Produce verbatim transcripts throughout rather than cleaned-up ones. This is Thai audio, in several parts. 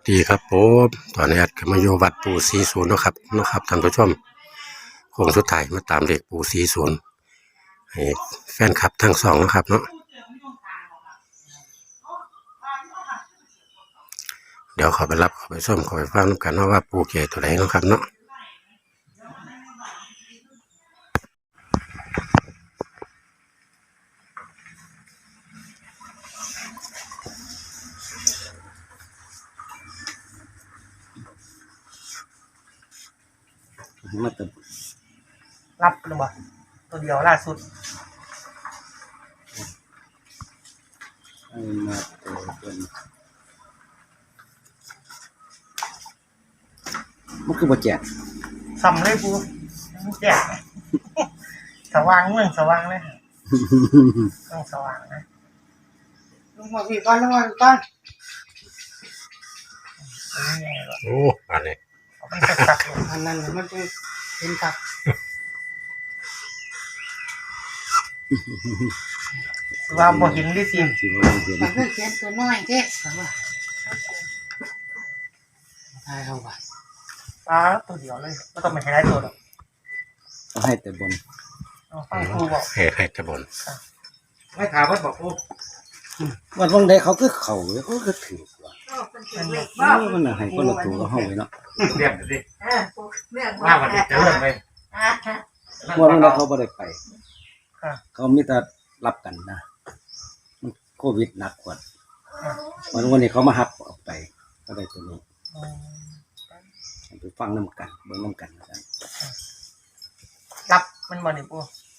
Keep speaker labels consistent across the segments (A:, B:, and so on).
A: ดีครับผมตอนนี้ก็มาอยู่วัดปู่ศรีศูนย์นะครับนะครับท่านผู้ชมโค้งสุดท้ายมาตามเลขปู่ศรีศูนย์ให้แฟนคลับทั้งสองนะครับเนาะเดี๋ยวขอไปรับขอไปส้มขอไปฟังกันว่าปู่เกตัวไหนนะครับเนาะมาตึบ
B: รับหรือเปล่าตัวเดียวล่าสุด
A: มาตัวเป็นมันคือบ่แจก
B: ซ้ำเลยกูแจกสว่างเมืองสว่างเลยเมืองสว่างนะลงมาพี่ก้อนลงมาพี่ก้อน
A: โอ้อันนี้
B: เอาไปสักๆอันนั้นมันจะเป็นตักว่าบ่เห็นดิสิ
C: มันก็เขียนตัวน้อยแค่ว่าใช่เอาไว้
B: ปลาตัวเดียวเลยไม่ต้องไปให้ได้ตัวหรอก
A: ให้แต่บน
B: ฟังครูบอก
A: ให้ให้แต่บน
B: ไม่ถามว่าบอกครู
A: วันวันใดเขาก็เข่าเขาก็ถือกว่ามันน่ะให้คนละตัวก็ห้องเลยเนาะ
B: เรียบดิว่าวันนี้จะเริ่มเลย
A: วันนั้นเขาไม่ได้ไปเขามีแต่รับกันนะโควิดหนักกว่าวันวันนี้เขามาฮับออกไปก็ได้ตัวนี้ไปฟังน้ำกันเบิ่งน้ำกันนะ
B: รับมันบ่นี่ปู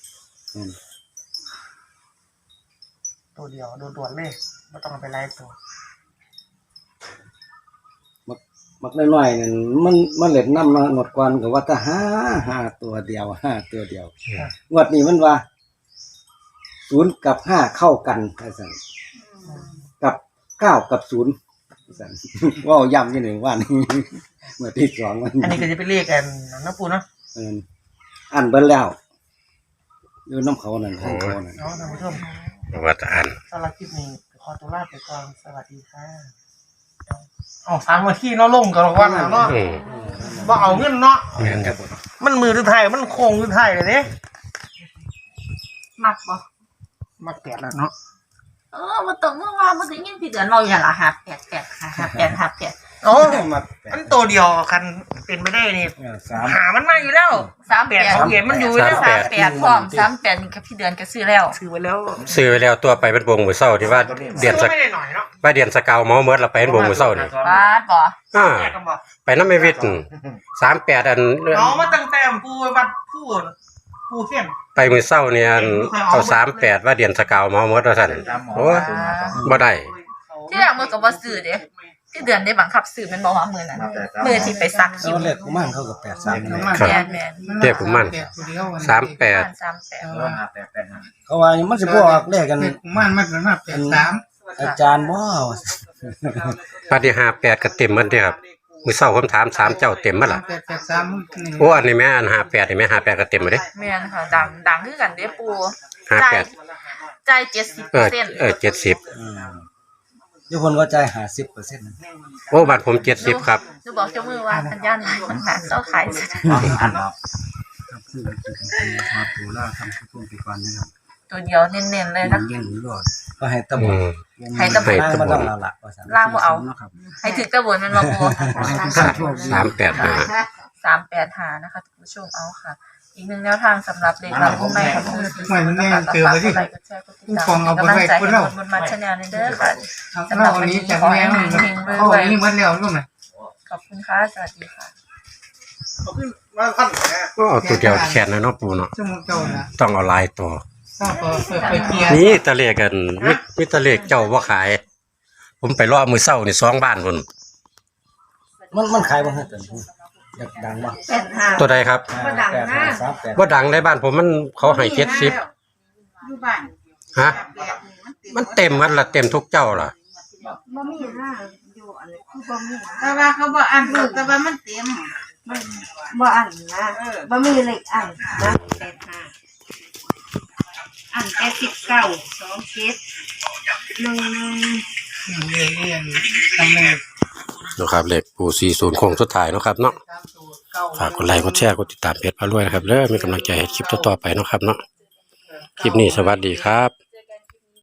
B: ตัวเดียวโดนตรวจเลยไม่ต้องไปไล่ตัว
A: มักมักน้อยๆเนี่ยมันมันเล็ดน้ำมาหมดกวนกับว่าถ้าห้าห้าตัวเดียวห้าตัวเดียวงวดนี้มันว่าศูนย์กับห้าเข้ากันไอ้สันกับเก้ากับศูนย์ไอ้สันว่าย้ำที่หนึ่งว่านี่เมื่อที่สองวัน
B: อันนี้ก็จะไปเรียกกันน้ำปูเนาะ
A: เอออ่านเบิ้ลแล้วอยู่น้ำเขานั่นเขานั่น
B: น้องท่านผู้ชม
A: ว่าจะอ่าน
B: สำหรับคลิปนี้ขอตัวลาไปก่อนสวัสดีค่ะอ๋อสามวันที่เนาะลงกันวันเนาะว่าเอาเงินเนาะมันมือถือไทยมันโค้งถือไทยเลยเนี่ย
C: มักบ่
B: มักแปดแล้วเนาะ
C: เออมาตรงเมื่อวานมาถึงยังพี่เดือนเราอย่างละหับแปดแปดหับแปดหับแปด
B: โอ้มันตัวเดียวคันเป็นไม่ได้นี่หามันมาอยู่แล้ว
C: สามแปด
B: ของเย็นมันอยู่แล้ว
C: สามแปดพร้อมสามแปดนี่กับพี่เดือนก็ซื้อแล้ว
B: ซื้อไว้แล้ว
A: ซื้อไว้แล้วตัวไปเป็นวงมือเศร้าที่ว่าเดียนสักว่าเดียนสกาวเมาเมิร์ดเราไปเป็นวงมือเศร้านี่
C: บ้าบ่
A: อ่าไปน้ำไม่วิทย์สามแปดอัน
B: น้องมาตั้งแต่ปูวัดผู้ผู้เขียน
A: ไปมือเศร้าเนี่ยเอาสามแปดว่าเดียนสกาวเมาเมิร์ดเราสั่นโอ้บ่ได้
C: ที่แรกมือกับว่าซื้อเด้ที่เดือนได้บังคับซื้อมันบอกว่ามือนั้นมือที่ไปซักคิว
A: เล็กมันเขากับแปดสาม
C: แมนแมน
A: เด็กผมมันสามแปด
C: สามแปด
A: เขาว่ามันจะบอกเลขกัน
B: มันมันเป็นมาแปดสาม
A: อาจารย์ว่าปฏิหาแปดก็เต็มมันเดียครับมือเศร้าผมถามสามเจ้าเต็มมั้ยล่ะโอ้อันนี้แม่อันหาแปดนี่แม่หาแปดก็เต็มเลย
C: แม่นค่ะดังดังคือกันเด้ปู
A: ห้าแปด
C: ใจเจ็ดสิบเปอร์เซ็นต์
A: เออเจ็ดสิบทุกคนว่าใจหาสิบเปอร์เซ็นต์โอ้บัตรผมเจ็ดสิบครับ
C: จะบอกเจ้ามือว่าสัญญาณมันหาเจ้าขาย
A: อันเนาะคือคือมาปูล่าทำทุกปีกันนะครับ
C: ตัวเดียวเน้นๆเลยนะ
A: เน้นๆรอดก็ให้ตะบน
C: ให้ตะบน
A: มาต้องละ
C: ล่างบ่เอาให้ถึงตะบนมันมาปู
A: สามแปดห้า
C: สามแปดห้านะคะท่านผู้ชมเอาค่ะอีกหนึ่งแนวทางสำหรับเด็กเราผู้ใหม่ของคือ
B: ไม่มันแน่เจอมาที่
C: ฟองเอาไปไว้คนเราบนมันชาแนลในเด้อค่ะสำหรับวันนี้จะขอให้เฮงๆรวยๆขอบคุณค่ะสวัสดีค่ะ
A: ก็เอาตัวเดียวแขนนะเนาะปูเนาะต้องเอาลายตัวนี่ตะเลกันมิตะเลกเจ้าว่าขายผมไปรอมือเศร้านี่สองบ้านคนมันมันขายบ่ฮะอยากดังบ่ตัวใดครับ
C: บ่ดังนะ
A: บ่ดังในบ้านผมมันเขาให้เจ็ดสิบ
C: อยู่บ้าน
A: ฮะมันเต็มมันละเต็มทุกเจ้าล่ะ
C: บ่มีนะอยู่อันนี้คือบ่มีแต่ว่าเขาบ่อ่านถูกแต่ว่ามันเต็มมันบ่อ่านนะบ่มีเลขอ่านนะแปดห้าอ่านแปดสิบเก้าสองเจ็ดหนึ่ง
B: เรียนเรียนทำเลย
D: นะครับเลขปูสี่ศูนย์โค้งสุดท้ายเนาะครับเนาะฝากกดไลค์กดแชร์กดติดตามเพจพารวยนะครับเด้อมีกำลังใจให้คลิปต่อๆไปเนาะครับเนาะคลิปนี้สวัสดีครับ